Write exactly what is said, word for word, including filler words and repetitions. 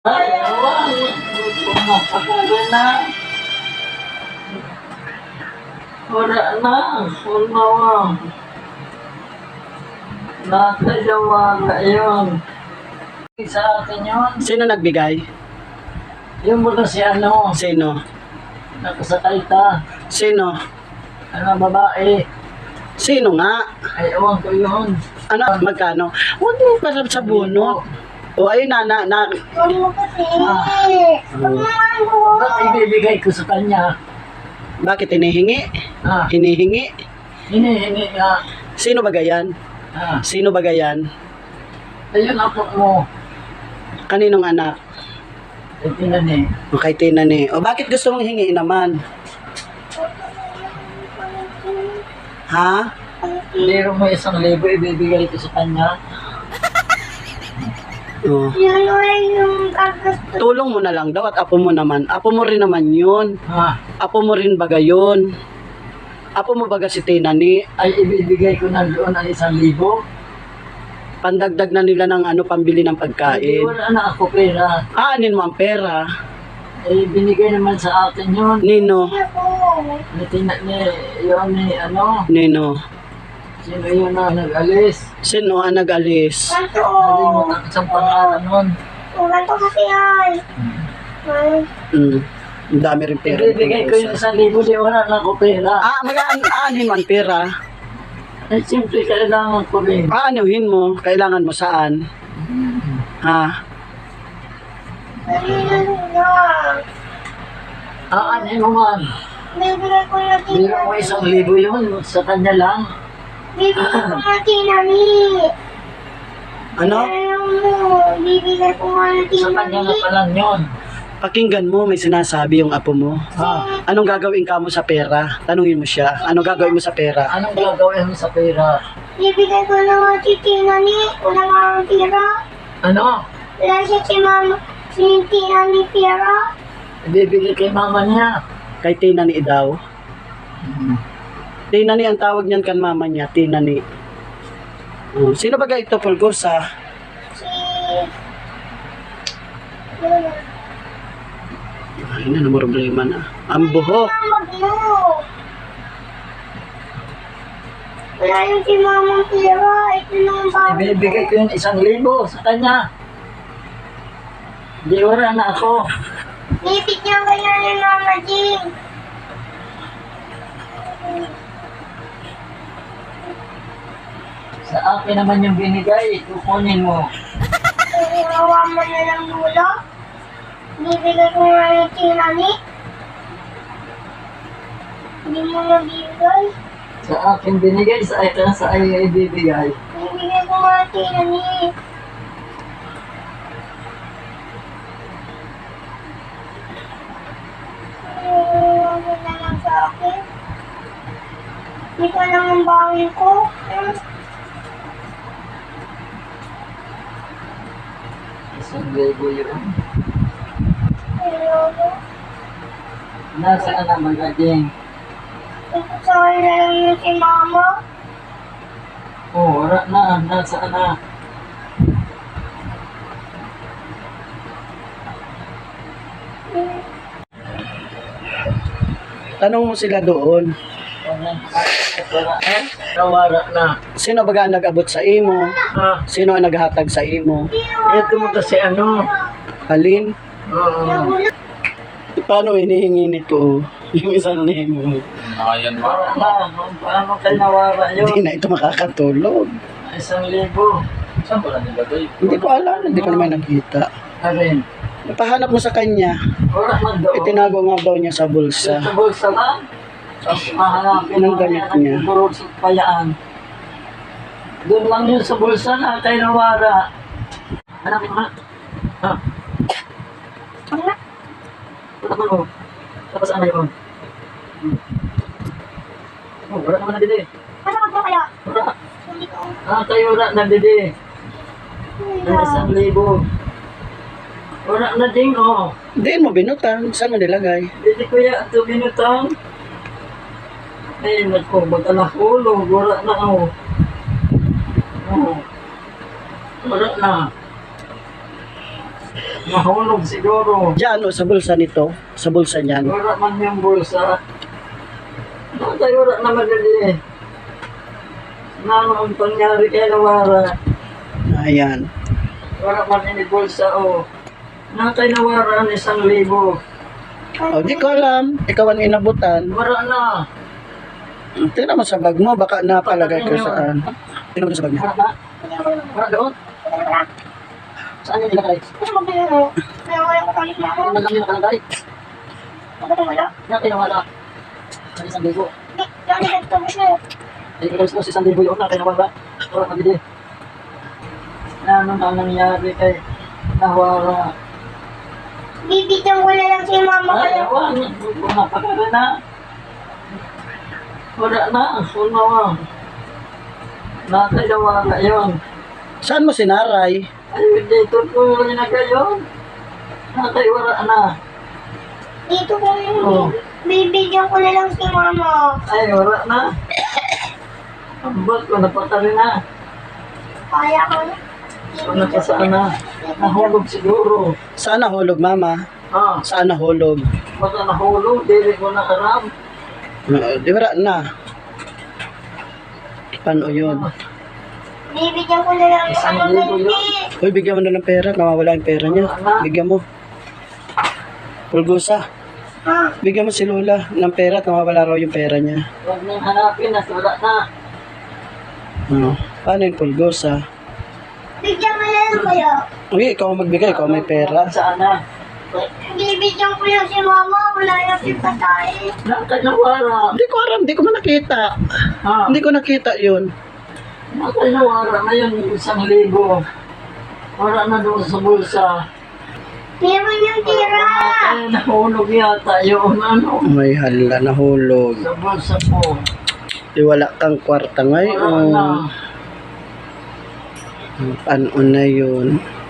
Ay, awan. Pumapakala na. Wala na. Wala na. Nakayawa na yun. Sa akin yun. Sino nagbigay? Yung muna si ano, Sino? nakasakay ka. Sino? Ano, babae. Sino nga? Ay, awan ko yun. Ano? Magkano? Huwag mo pasap sa bunot. O ayun na, na, na. Huwag mo kasi. Huwag mo Ba't ibibigay ko sa kanya? Bakit hinihingi? Ah, Hinihingi? hinihingi nga. Sino ba gayan? Ah, Sino ba gayan? ayun ako mo. Kaninong anak? Ay, tinan eh. O kay Tina ni. O bakit gusto mong hingiin naman? Ha? Meron mo isang libo, ibibigay ko sa kanya. O. Yun ay yung kagasto. Tulong mo na lang daw at apo mo naman. Apo mo rin naman yun. Ha, Apo mo rin baga yun. Apo mo baga si Tina ni. ay ibibigay ko na doon ang isang libo. Pandagdag na nila ng ano, pambili ng Ay, pagkain. wala na ako pera. Aanin mo ang pera. Ay, binigay naman sa akin yun. Nino. Ako. Natina ni, yun ni, ano, Nino. sino yun na nag-alis. Sino ang nag-alis? Ganto. Nalimutan ko sa pangalan nun. Ganto kasi ay. Ay. Mm. Ang dami rin pera. Ibibigay ko yung isang libo, di wala na ako pera. Ah, mag-aanin mo ang pera. Ay, simple, kailangan ko rin. Aanuhin mo. Kailangan mo saan? Ha? Ayun lang. Ah, ano naman? Bibigay ko na Biro mo isang libo yun, sa kanya lang. Bibigay ko na tinami. Ano? Ayaw mo. Bibigay ko na Sa kanya na tinami. pa lang yun. Pakinggan mo, may sinasabi yung apo mo. Ha? Anong gagawin ka mo sa pera? Tanungin mo siya. Anong gagawin mo sa pera? Anong gagawin mo sa pera? Bibigay ko na nga tinami. Wala nga ang tira. Ano? Wala siya si mama. Si tinami tira. Ibibigay kay mama niya. Kay Tina ni daw. Tina ni ang tawag niyan kan mama niya. Tina ni. Oh, sino ba ito, Pulgosa? Si... Ay na, namang problema na. Ang buhok. Mamag mo. Wala yung si mama tira. Ito na ang bago. Ibibigay ko yung isang libo sa kanya. Di wala na ako. Bibigyan kaya ni Mama Jing. Sa akin naman yung binigay, kukunin mo. Ginawa mo na lang dulo. Bibigay ko nga yung tinani. Hindi mo nabibigay. Sa akin binigay, sa akin sa ay ibibigay. Bibigay ko nga yung tinani. Ayaw mo na lang sa akin. Hindi ka lang ang bangin ko. Hmm. Isang libo yun. Ayaw mo. Nasaan na magaging? Ito sa akin na lang yung si Mama. Oh, wala na. Nasaan na? Hmm. Tanong mo sila doon. Wala. Nawala na. Sino ba ang nag-abot sa imo? Ha? Sino ang naghatag sa imo? Ito mo kasi ano. Alin? Oo. Paano hinihingi nito? Yung isang nemo. Ayan ba? Wala na. Paano kayo nawala yun? Hindi na ito makakatulog. Isang libo. Saan ba na nilagay? Hindi ko alam, hindi ko naman nakita. Karin. Napahanap mo sa kanya. Wala man doon. Itinago nga daw niya sa bulsa. Sa bulsa lang. Tapos mahanapin Anong mo damit yan, niya? nagdurog sa payaan. Doon lang yun sa bulsa na tayo nawara. Hanapin mo ha? Ha? Wala. Wala man oh. Tapos ano yun? Hmm. Oh, wala naman na didi. Masakot mo kaya? Wala. Hindi ko. Ah, tayo wala na didi. Ang isang libo. Wala na ding oh. Hindi mo binutan. Saan mo nilagay? Didi kuya, ito binutang. Ay, naku, magkala hulog. Wala na oh. Oh. Wala na. Nahulog siguro. Diyan o sa bulsa nito, sa bulsa niyan. Wala man yung bulsa. Nakay wala na madali. Ano ang pangyari kay Nawara? Ayan. Wala man ini bulsa o. Nakay Nawara ang isang libo. O, di ko alam. Ikaw ang inabutan. Wala na. Tingnan mo sa bag mo, baka napalagay ko saan. Tingnan mo sa bag niya. Wala na. Wala doon. Saan yung nilagay? Ano mo biro? Kaya wala ko kalit na ako. Ano lang yung nakalagay? Ano ko wala? Nakay Nawara. Sa isang libo. Di, dami ka ito siya. Ay, ikaw sa isang libo yun. Nakay Nawara. Wala madali. Ano na nangyari kay Nawara? Bibigyan ko na lang si mama ko Ay, lang. wala. Wala pa ka na. Wala na. Wala na. Nakay Nawara yun. Saan mo sinaray? Ay, dito po yung na kayo. Nakay wala na. Dito ko yung Oh. bibigyan ko na lang si mama. Ay, wala na. Ambot ko, napatali na. Kaya ko na. Wala ka sana. Nahulog siguro. Saan nahulog, mama? Ah, Saan nahulog? baka nahulog. Dili ko na aram. Uh, di wala na. Paano yun? Bibigyan ko na lang Isang ano libo yun. ganti. Uy, bigyan mo na ng pera. Nawawala yung pera niya. Bigyan mo. Pulgusa. Ha? Bigyan mo si Lola ng pera at nawawala raw yung pera niya. Huwag nang hanapin na. Wala na. Ano? Paano yung pulgusa? Bigyan mo na lang kayo. Uy, ikaw ang magbigay. Ikaw may pera. Sana. Bibigyan ko lang si mama. Wala yung si patay. Nakay Nawara. Hindi ko alam. Hindi ko man nakita. Ah, Hindi ko nakita yun. nakay Nawara na yun. Isang libo. Wala na doon sa bulsa. Meron yung tira. Ay, nahulog yata yun. Ano? May hala, nahulog. Sa bulsa po. Di wala kang kwarta Wala na. ngayon. Paano na yun?